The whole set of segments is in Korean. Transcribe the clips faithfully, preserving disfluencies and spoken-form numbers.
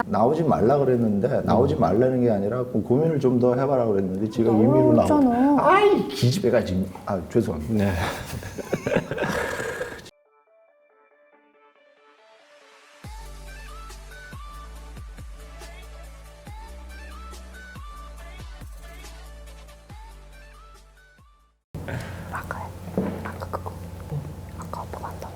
나오지 말라 그랬는데 나오지 말라는 게 아니라 고민을 좀 더 해봐라 그랬는데 지가 임의로 나오고. 아이 기집애가 지금. 아 죄송합니다. 네. 아까 아까 그거 아까 아빠가 한다며.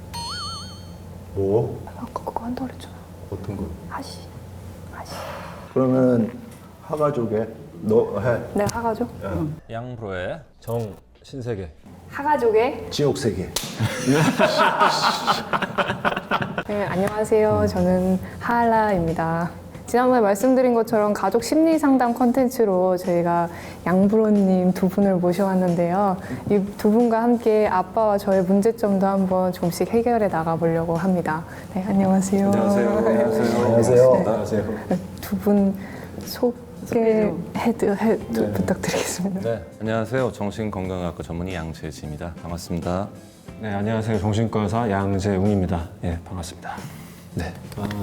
뭐? 아까 그거 한다 그랬잖아. 어떤 거? 하시 하시. 그러면 하가족에 너 해. 내가 하가족? 양프로의 정 신세계. 하가족의 지옥세계. 네, 안녕하세요. 저는 하알라입니다. 지난번에 말씀드린 것처럼 가족 심리 상담 컨텐츠로 저희가 양브로님 두 분을 모셔왔는데요. 이 두 분과 함께 아빠와 저의 문제점도 한번 조금씩 해결해 나가보려고 합니다. 네, 안녕하세요. 안녕하세요. 안녕하세요. 안녕하세요. 안녕하세요. 두 분 소개 해드 해 네. 부탁드리겠습니다. 네, 안녕하세요. 정신건강학과 전문의 양재지입니다. 반갑습니다. 네, 안녕하세요. 정신과 의사 양재웅입니다. 예, 반갑습니다. 네.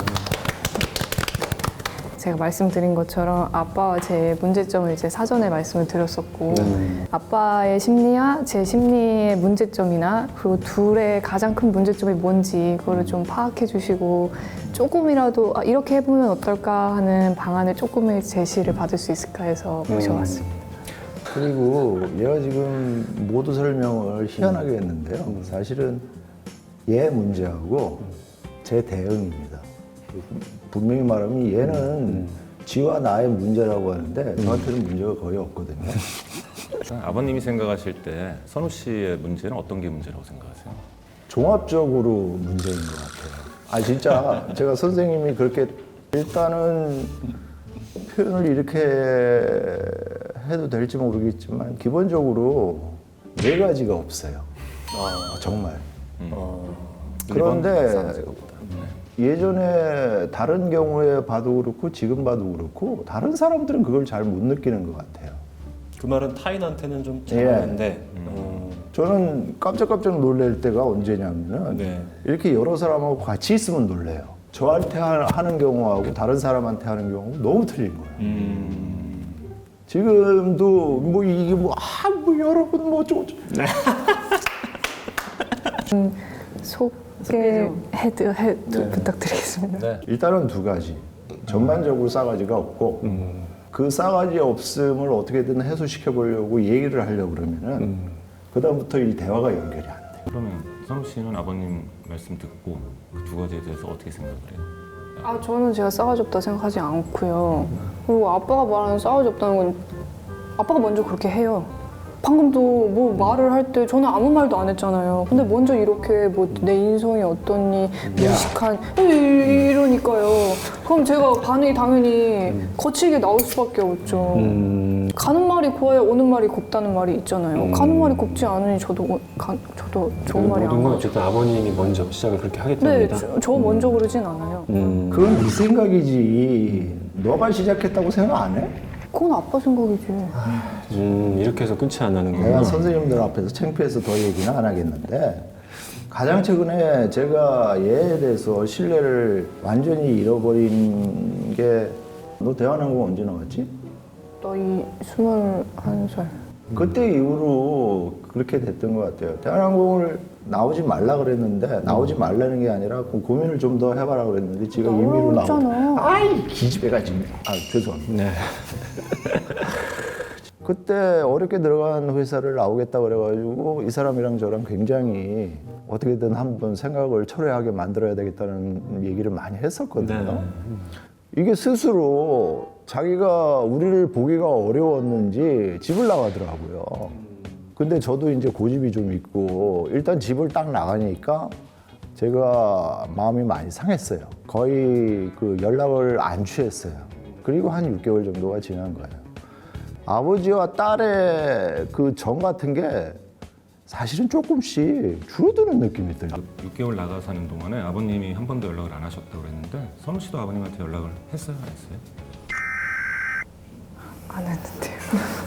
제가 말씀드린 것처럼 아빠와 제 문제점을 이제 사전에 말씀을 드렸었고 네. 아빠의 심리와 제 심리의 문제점이나 그리고 둘의 가장 큰 문제점이 뭔지 그거를 좀 파악해 주시고 조금이라도 아, 이렇게 해보면 어떨까 하는 방안을 조금의 제시를 받을 수 있을까 해서 모셔왔습니다. 그리고 얘가 지금 모두 설명을 희한하게 했는데요. 사실은 얘 문제하고 제 대응입니다. 분명히 말하면 얘는 지와 나의 문제라고 하는데 저한테는 문제가 거의 없거든요. 아버님이 생각하실 때 선우 씨의 문제는 어떤 게 문제라고 생각하세요? 종합적으로 문제인 것 같아요. 아 진짜 제가 선생님이 그렇게 일단은 표현을 이렇게 해도 될지 모르겠지만 기본적으로 네 가지가 없어요. 아, 정말. 음. 그런데 일본 사람들보다. 예전에 다른 경우에 봐도 그렇고 지금 봐도 그렇고 다른 사람들은 그걸 잘 못 느끼는 것 같아요. 그 말은 타인한테는 좀 예. 잘하는데 어, 저는 깜짝깜짝 놀랄 때가 언제냐면은 네. 이렇게 여러 사람하고 같이 있으면 놀래요. 저한테 하- 하는 경우하고 다른 사람한테 하는 경우 너무 틀린 거예요. 음, 지금도 뭐 이게 뭐 아 뭐 여러분 뭐 어쩌고 저쩌고. 소개 해드 해 부탁드리겠습니다. 네. 일단은 두 가지. 전반적으로 싸가지가 없고 그 싸가지 없음을 어떻게든 해소시켜 보려고 얘기를 하려고 그러면은 그다음부터 이 대화가 연결이 안 돼요. 그러면 선우 씨는 아버님 말씀 듣고 그 두 가지에 대해서 어떻게 생각을 해요? 아 저는 제가 싸가지 없다 생각하지 않고요. 그리고 아빠가 말하는 싸가지 없다는 건 아빠가 먼저 그렇게 해요. 방금도 뭐 말을 할 때 저는 아무 말도 안 했잖아요. 근데 먼저 이렇게 뭐 내 인성이 어떠니 무식한 이- 이러니까요. 그럼 제가 반응이 당연히 거칠게 나올 수밖에 없죠. 음. 가는 말이 고와야 오는 말이 곱다는 말이 있잖아요. 가는 말이 곱지 않으니 저도 오- 가, 저도 좋은 말이 안 모든 건 가죠. 어쨌든 아버님이 먼저 시작을 그렇게 하기 네, 때문이다. 저, 저 먼저 그러진 않아요. 음. 그건 네 생각이지. 너가 시작했다고 생각 안 해? 그건 아빠 생각이지. 음, 이렇게 해서 끝이 안 나는 내가 거구나. 선생님들 앞에서 창피해서 더 얘기는 안 하겠는데 가장 최근에 제가 얘에 대해서 신뢰를 완전히 잃어버린 게 너 대한항공 언제 나왔지? 너희 스물한 살. 그때 이후로 그렇게 됐던 것 같아요. 대한항공을 나오지 말라 그랬는데 나오지 말라는 게 아니라 고민을 좀 더 해봐라 그랬는데 지가 임의로 나오고. 나왔잖아. 아이 기집애가 지금. 아 죄송합니다. 네. 그때 어렵게 들어간 회사를 나오겠다 그래가지고 이 사람이랑 저랑 굉장히 어떻게든 한번 생각을 철회하게 만들어야 되겠다는 얘기를 많이 했었거든요. 네. 이게 스스로 자기가 우리를 보기가 어려웠는지 집을 나가더라고요. 근데 저도 이제 고집이 좀 있고 일단 집을 딱 나가니까 제가 마음이 많이 상했어요. 거의 그 연락을 안 취했어요. 그리고 한 육 개월 정도가 지난 거예요. 아버지와 딸의 그 정 같은 게 사실은 조금씩 줄어드는 느낌이 들어요. 육 개월 나가 사는 동안에 아버님이 한 번도 연락을 안 하셨다고 그랬는데 선우 씨도 아버님한테 연락을 했어요? 안 했어요? 안 했는데요.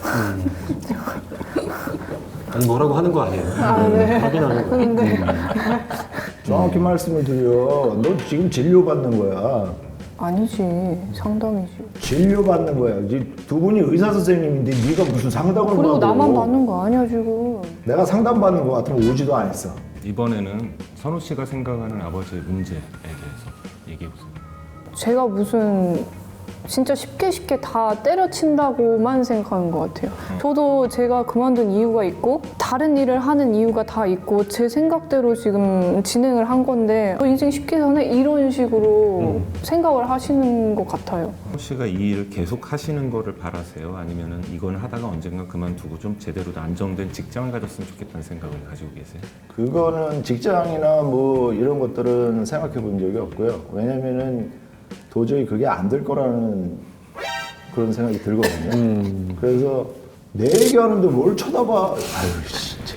아니 뭐라고 하는 거 아니에요? 아, 네. 확인하는 거예요. 네. 정확히 말씀을 드려. 너 지금 진료받는 거야. 아니지, 상담이지. 진료받는 거야. 이제 두 분이 의사 선생님인데 네가 무슨 상담을 그리고 받아. 나만 받는 거 아니야 지금. 내가 상담받는 거 같으면 오지도 안 했어. 이번에는 선우 씨가 생각하는 아버지의 문제에 대해서 얘기해 보세요. 제가 무슨 진짜 쉽게 쉽게 다 때려친다고만 생각하는 것 같아요. 저도 제가 그만둔 이유가 있고 다른 일을 하는 이유가 다 있고 제 생각대로 지금 진행을 한 건데 저 인생 쉽게 사네 이런 식으로 생각을 하시는 것 같아요. 선우 씨가 이 일을 계속 하시는 거를 바라세요? 아니면은 이건 하다가 언젠가 그만두고 좀 제대로 안정된 직장을 가졌으면 좋겠다는 생각을 가지고 계세요? 그거는 직장이나 뭐 이런 것들은 생각해 본 적이 없고요. 왜냐면은 도저히 그게 안 될 거라는 그런 생각이 들거든요. 음. 그래서 내 얘기하는데 뭘 쳐다봐. 아유 진짜.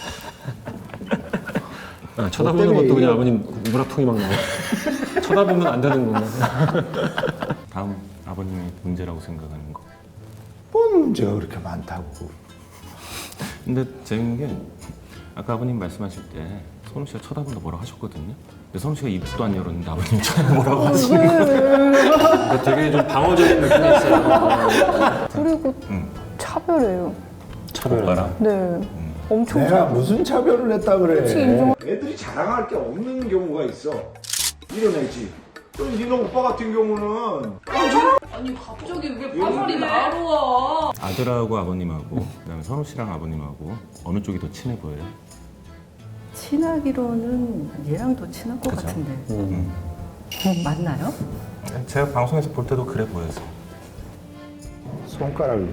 아, 쳐다보는 때문에 것도 그냥 얘기가- 아버님 물화통이 막 나와. 쳐다보면 안 되는 건가? 다음 아버님의 문제라고 생각하는 거. 뭔 문제가 그렇게 많다고. 근데 재밌는 게 아까 아버님 말씀하실 때 선우 씨가 쳐다본다 뭐라고 하셨거든요. 근데 선우 씨가 입도 안 열었는데 아버님이 쳐다보라고 하시는 거. 그러니까 되게 좀 방어적인 느낌이 있어요. 그리고 응. 차별해요. 차별하라. 네, 엄청 내가 무슨 차별을 했다 그래. 그치, 인정. 애들이 자랑할 게 없는 경우가 있어. 이런 애지. 또 니네 오빠 같은 경우는 아니 갑자기 왜 화살이 나로 와? 아들하고 아버님하고 그다음에 선우 씨랑 아버님하고 어느 쪽이 더 친해 보여요? 친하기로는 얘랑 더 친할 것 그죠? 같은데 음. 맞나요? 제가 방송에서 볼 때도 그래 보여서. 손가락을.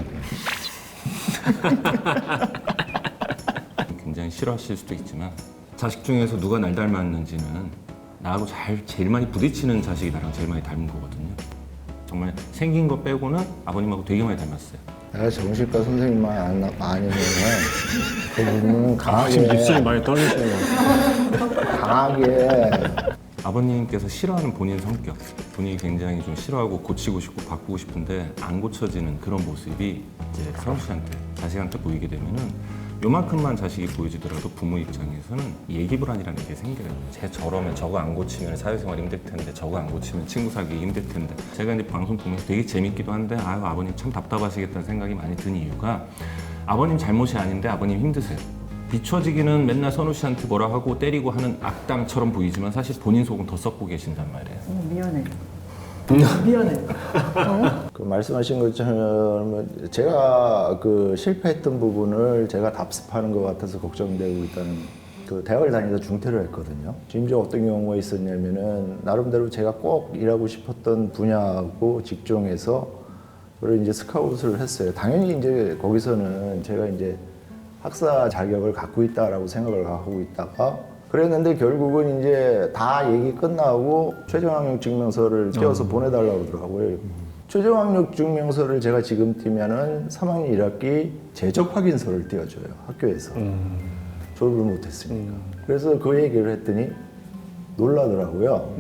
굉장히 싫어하실 수도 있지만 자식 중에서 누가 날 닮았는지는 나하고 잘 제일 많이 부딪히는 자식이 나랑 제일 많이 닮은 거거든요. 정말 생긴 거 빼고는 아버님하고 되게 많이 닮았어요. 내가 정신과 선생님만 안, 아니면 그분은 강하게 지금 입술이 많이 떨리시는 것 같아요. 강하게 아버님께서 싫어하는 본인 성격, 본인이 굉장히 좀 싫어하고 고치고 싶고 바꾸고 싶은데 안 고쳐지는 그런 모습이 이제 선우 씨한테, 자식한테 보이게 되면은 요만큼만 자식이 보여지더라도 부모 입장에서는 예기불안이라는 게 생겨요. 쟤 저러면 저거 안 고치면 사회생활 힘들 텐데 저거 안 고치면 친구 사귀기 힘들 텐데 제가 이제 방송 보면서 되게 재밌기도 한데 아유 아버님 참 답답하시겠다는 생각이 많이 든 이유가 아버님 잘못이 아닌데 아버님 힘드세요. 비춰지기는 맨날 선우 씨한테 뭐라 하고 때리고 하는 악당처럼 보이지만 사실 본인 속은 더 썩고 계신단 말이에요. 어, 미안해 미안해 그 말씀하신 것처럼 제가 그 실패했던 부분을 제가 답습하는 것 같아서 걱정되고 있다는 그 대학을 다니다 중퇴를 했거든요. 심지어 어떤 경우가 있었냐면은 나름대로 제가 꼭 일하고 싶었던 분야하고 직종에서 그걸 이제 스카웃을 했어요. 당연히 이제 거기서는 제가 이제 학사 자격을 갖고 있다라고 생각을 하고 있다가 그랬는데 결국은 이제 다 얘기 끝나고 최저학력 증명서를 띄워서 보내달라고 그러더라고요. 최저학력 증명서를 제가 지금 띄면은 삼 학년 일 학기 재적 확인서를 띄워줘요 학교에서. 졸업을 못했으니까. 그래서 그 얘기를 했더니 놀라더라고요.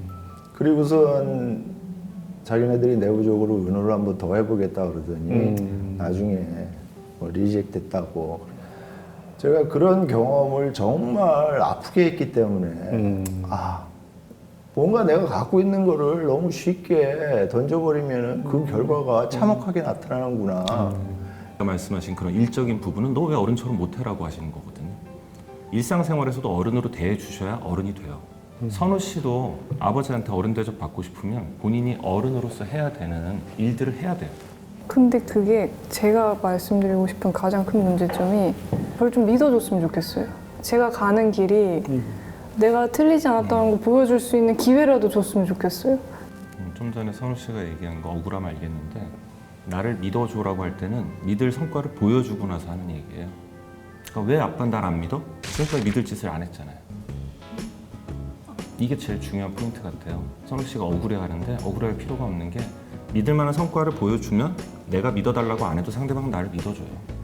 그리고선 자기네들이 내부적으로 의논을 한번 더 해보겠다 그러더니 나중에 뭐 리젝 됐다고. 제가 그런 경험을 정말 아프게 했기 때문에 아 뭔가 내가 갖고 있는 거를 너무 쉽게 던져버리면 그 결과가 참혹하게 나타나는구나. 아까 말씀하신 그런 일적인 부분은 너 왜 어른처럼 못해라고 하시는 거거든요. 일상생활에서도 어른으로 대해주셔야 어른이 돼요. 선우 씨도 아버지한테 어른 대접 받고 싶으면 본인이 어른으로서 해야 되는 일들을 해야 돼요. 근데 그게 제가 말씀드리고 싶은 가장 큰 문제점이 저를 좀 믿어줬으면 좋겠어요. 제가 가는 길이 내가 틀리지 않았다는 거 보여줄 수 있는 기회라도 줬으면 좋겠어요. 음, 좀 전에 선우 씨가 얘기한 거 억울함 알겠는데 나를 믿어줘라고 할 때는 믿을 성과를 보여주고 나서 하는 얘기예요. 그러니까 왜 아빠는 날 안 믿어? 그러니까 믿을 짓을 안 했잖아요. 이게 제일 중요한 포인트 같아요. 선우 씨가 억울해하는데 억울할 필요가 없는 게 믿을 만한 성과를 보여주면 내가 믿어달라고 안 해도 상대방은 나를 믿어줘요.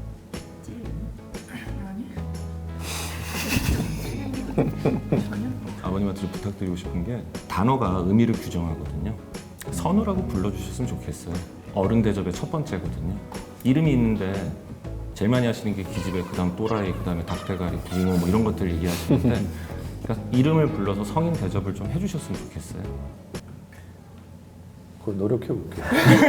아버님한테 좀 부탁드리고 싶은 게 단어가 의미를 규정하거든요. 선우라고 불러주셨으면 좋겠어요. 어른 대접의 첫 번째거든요. 이름이 있는데 제일 많이 하시는 게 기집애, 그 다음 또라이, 그 다음에 닭대가리, 붕어 뭐 이런 것들 얘기하시는데 그러니까 이름을 불러서 성인 대접을 좀 해주셨으면 좋겠어요. 그거 노력해 볼게요.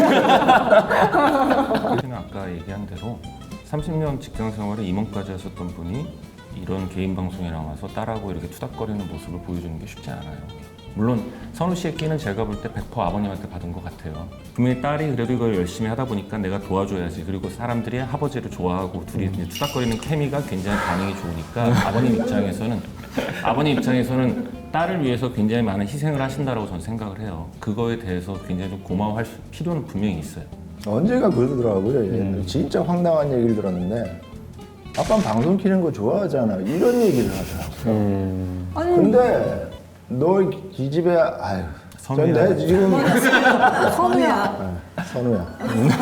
저는 아까 얘기한 대로 삼십 년 직장 생활에 임원까지 하셨던 분이 이런 개인 방송에 나와서 딸하고 이렇게 투닥거리는 모습을 보여주는 게 쉽지 않아요. 물론 선우 씨의 끼는 제가 볼 때 백 퍼센트 아버님한테 받은 것 같아요. 분명히 딸이 그래도 이걸 열심히 하다 보니까 내가 도와줘야지. 그리고 사람들이 아버지를 좋아하고 둘이 이제 투닥거리는 케미가 굉장히 반응이 좋으니까 아버님 입장에서는 아버님 입장에서는 딸을 위해서 굉장히 많은 희생을 하신다라고 저는 생각을 해요. 그거에 대해서 굉장히 좀 고마워할 수- 필요는 분명히 있어요. 언제가 그러더라고요. 음. 진짜 황당한 얘기를 들었는데 아빠는 방송 키는 거 좋아하잖아. 이런 얘기를 하더라고요. 음. 근데 너 이 집에 아유 선우야. 내 지금 선우야. 선우야.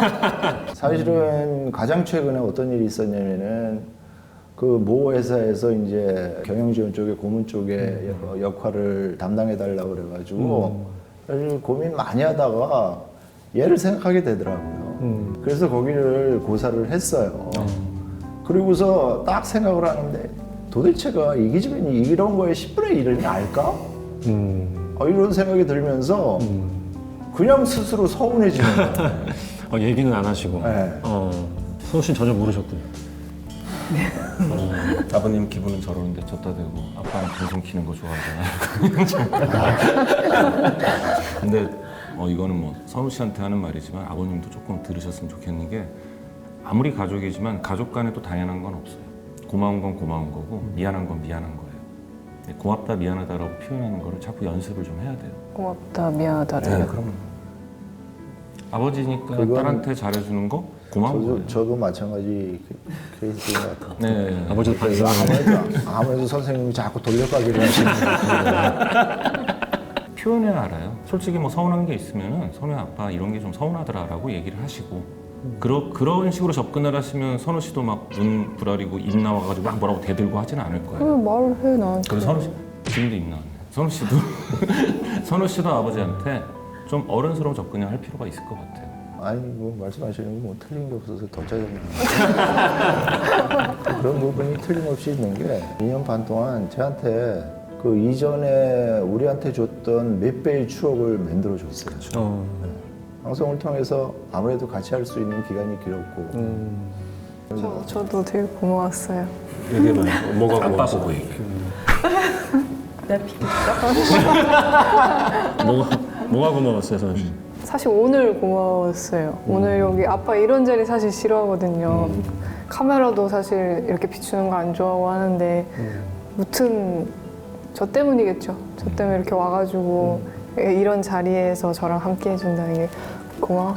사실은 가장 최근에 어떤 일이 있었냐면은 그 모 회사에서 이제 경영지원 쪽에 고문 쪽에 여- 역할을 담당해 달라고 그래가지고 사실 고민 많이 하다가 얘를 생각하게 되더라고요. 그래서 거기를 고사를 했어요. 그리고서 딱 생각을 하는데 도대체가 이 기집애는 이런 거에 십분의 일을 알까? 음. 어, 이런 생각이 들면서 그냥 스스로 서운해지는 거예요. 어, 얘기는 안 하시고. 네. 어, 선우 씨는 전혀 모르셨군요. 아버님 기분은 저러는데 졌다 대고 아빠는 방송 키는 거 좋아하잖아요. 근데 어, 이거는 뭐 선우 씨한테 하는 말이지만 아버님도 조금 들으셨으면 좋겠는 게 아무리 가족이지만 가족 간에 또 당연한 건 없어요. 고마운 건 고마운 거고 미안한 건 미안한 거예요. 고맙다 미안하다라고 표현하는 거를 자꾸 연습을 좀 해야 돼요. 고맙다, 미안하다. 네, 그럼 아버지니까 그건- 딸한테 잘해주는 거 고마운 저도, 거예요. 저도 마찬가지 그- 케이스인 것 같아요. 네. 아버지도 그래서 반성하고. 아무래도, 아무래도 선생님이 자꾸 돌려가기를 하시는 것 같아요. 표현해야 알아요. 솔직히 뭐 서운한 게 있으면은 선우 아빠 이런 게 좀 서운하더라라고 얘기를 하시고 그러, 그런 식으로 접근을 하시면 선우 씨도 막 눈 부라리고 입 나와가지고 막 뭐라고 대들고 하지는 않을 거예요. 왜 말을 해, 나한테. 그래서 선우 씨 지금도 입 나왔네. 선우 씨도 선우 씨도 아버지한테 좀 어른스러운 접근을 할 필요가 있을 것 같아요. 아니 뭐 말씀하시는 게 뭐 틀린 게 없어서 더 짜증나요. 그런 부분이 틀림없이 있는 게 이 년 반 동안 저한테 그 이전에 우리한테 줬던 몇 배의 추억을 만들어 줬어요. 어. 방송을 통해서 아무래도 같이 할 수 있는 기간이 길었고 음. 저, 저도 되게 고마웠어요. 얘기해봐요. 뭐가 아빠 고마웠어? 보고 얘기해. 나 비켰어? 뭐가, 뭐가 고마웠어요, 선우 씨? 사실 오늘 고마웠어요. 오늘 여기 아빠 이런 자리 사실 싫어하거든요. 카메라도 사실 이렇게 비추는 거 안 좋아하고 하는데 무튼 저 때문이겠죠. 저 때문에 이렇게 와가지고 이런 자리에서 저랑 함께 해준다는 게 고마워.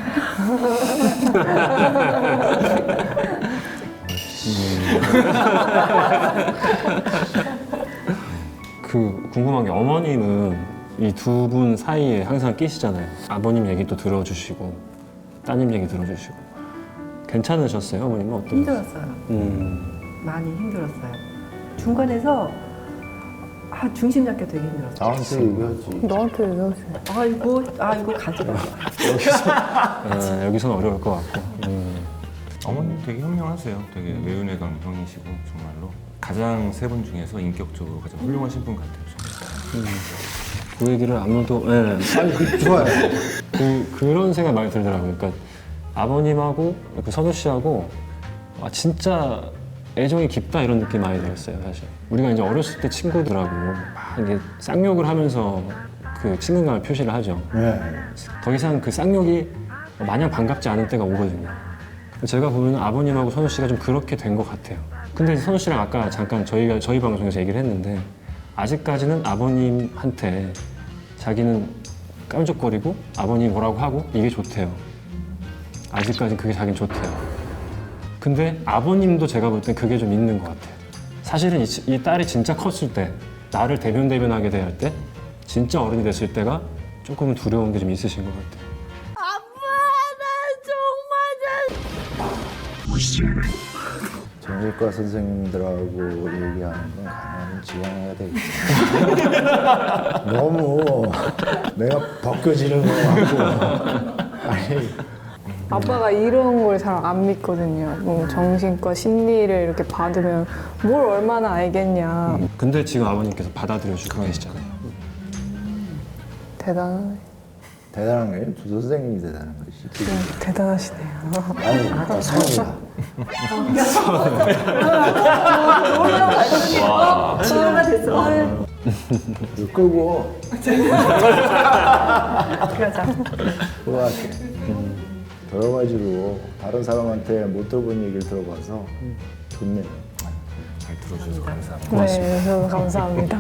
그 궁금한 게 어머님은 이 두 분 사이에 항상 끼시잖아요. 아버님 얘기도 들어주시고 따님 얘기 들어주시고 괜찮으셨어요? 어머님은 어떠세요? 힘들었어요. 음. 많이 힘들었어요. 중간에서 아, 중심 잡기 되게 힘들었어요. 나한테 얘기하지. 너한테 얘기하지. 아 이거 아 이거 가지고 아, 여기서는 어려울 것 같고. 음. 어머님 되게 현명하세요. 되게 외은혜감 형이시고 정말로 가장 세 분 중에서 인격적으로 가장 훌륭하신 분 같아요. 저는. 그 얘기를 아무도 예. 아니 그 좋아요. 그, 그런 생각 많이 들더라고요. 그러니까 아버님하고 그 선우 씨하고 아, 진짜 애정이 깊다 이런 느낌 많이 들었어요, 사실. 우리가 이제 어렸을 때 친구들하고 막 이게 쌍욕을 하면서 그 친근감을 표시를 하죠. 네. 더 이상 그 쌍욕이 마냥 반갑지 않은 때가 오거든요. 제가 보면 아버님하고 선우 씨가 좀 그렇게 된 것 같아요. 근데 선우 씨랑 아까 잠깐 저희가 저희 방송에서 얘기를 했는데 아직까지는 아버님한테 자기는 깜짝거리고 아버님 뭐라고 하고 이게 좋대요. 아직까지 그게 자기는 좋대요. 근데 아버님도 제가 볼 땐 그게 좀 있는 것 같아요. 사실은 이, 이 딸이 진짜 컸을 때 나를 대변 대변하게 대할 때 진짜 어른이 됐을 때가 조금은 두려운 게 좀 있으신 것 같아요. 정신과 선생님들하고 얘기하는 건 가능하면 지양해야 되겠다. 너무 내가 벗겨지는 거 같고. 아니, 아빠가 이런 걸 잘 안 믿거든요. 뭐 정신과 심리를 이렇게 받으면 뭘 얼마나 알겠냐. 근데 지금 아버님께서 받아들여 주고 계시잖아요. 대단하네. 대단한 거예요. 두 선생님이 대단한 것이. 대단하시네요. 아니, 성이야. 친구가 됐어. 이거 끄고 그러자. 그거 할게. 여러 가지로 다른 사람한테 못 들어본 얘기를 들어봐서 좋네요. 잘 들어주셔서 감사합니다. 네, 저도 감사합니다.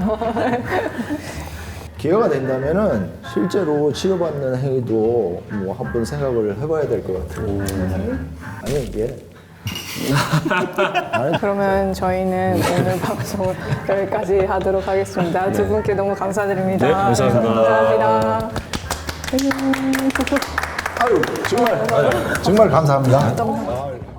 기회가 된다면은 실제로 치료받는 행위도 뭐 한 번 생각을 해봐야 될 것 같아요. 아니 이게 그러면 저희는 오늘 방송 여기까지 하도록 하겠습니다. 두 분께 너무 감사드립니다. 네, 감사합니다. 감사합니다. 아유 정말 정말 감사합니다.